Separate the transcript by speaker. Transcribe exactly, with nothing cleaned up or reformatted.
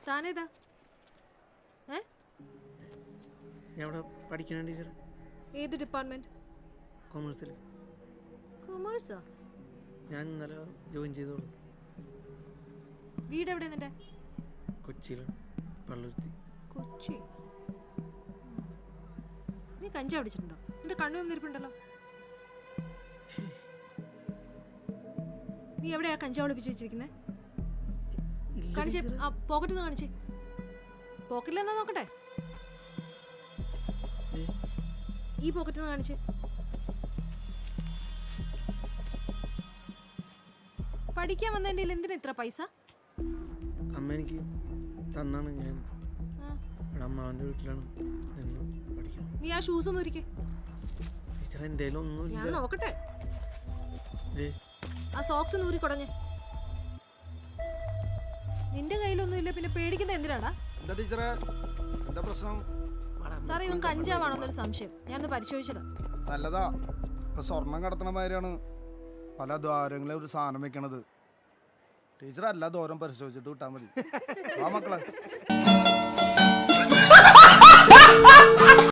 Speaker 1: താനേതാ? ഏ
Speaker 2: ഞാൻ ഇവിടെ പഠിക്കണം ടീച്ചർ.
Speaker 1: ഏത് ഡിപ്പാർട്ട്മെന്റ്?
Speaker 2: കൊമേഴ്സിൽ.
Speaker 1: കൊമേഴ്സോ?
Speaker 2: ഞാൻ ഇന്നലെ ജോയിൻ ചെയ്തോളൂ.
Speaker 1: വീട് എവിടെ നിന്റെ?
Speaker 2: കൊച്ചിയിലാണ്, പള്ളുരുത്തി.
Speaker 1: കൊച്ചി. നീ കഞ്ചാവ് അടിച്ചിട്ടുണ്ടോ? നിന്റെ കണ്ണു വന്നിരിപ്പുണ്ടല്ലോ. നീ എവിടെയാ കഞ്ചാവ് ഒളിപ്പിച്ച് വെച്ചിരിക്കുന്നത്? കാണിച്ചേ, ആ പോക്കറ്റിൽ നിന്ന് കാണിച്ചേ. പോക്കറ്റിലെന്നാ നോക്കട്ടെ. ഈ പോക്കറ്റിൽ നിന്ന് കാണിച്ചേ. പഠിക്കാൻ വന്നതിൻ്റെ എന്തിനാ ഇത്ര പൈസ?
Speaker 2: അമ്മ എനിക്ക് തന്നാണ്. ഞാൻ ഇവിടെ അമ്മാവൻ്റെ വീട്ടിലാണ് നിന്ന് പഠിക്കണം.
Speaker 1: നീ ആ ഷൂസ് ഒന്നും ഇരിക്കേ.
Speaker 2: ടീച്ചർ എൻ്റെ ഒന്നും
Speaker 1: ഞാൻ നോക്കട്ടെ.
Speaker 2: ഏ
Speaker 1: ആ സോക്സ് നൂരി കുടഞ്ഞ്. നിന്റെ കയ്യിലൊന്നും ഇല്ല, പിന്നെ പേടിക്കുന്ന എന്തിനാടാ?
Speaker 3: എന്താ ടീച്ചറെ, എന്താ പ്രശ്നം?
Speaker 1: സാറേ, ഇവൻ കഞ്ചാവാണോന്നൊരു സംശയം. ഞാനൊന്ന് പരിശോധിച്ചതാ.
Speaker 3: നല്ലതാ. ഇപ്പൊ സ്വർണം കടത്തണ മാതിരിയാണ് പല ദ്വാരങ്ങളെ ഒരു സാധനം വെക്കണത്. ടീച്ചർ എല്ലാ ദ്വാരം പരിശോധിച്ചിട്ട് വിട്ടാൽ മതി. ആ മക്കളെ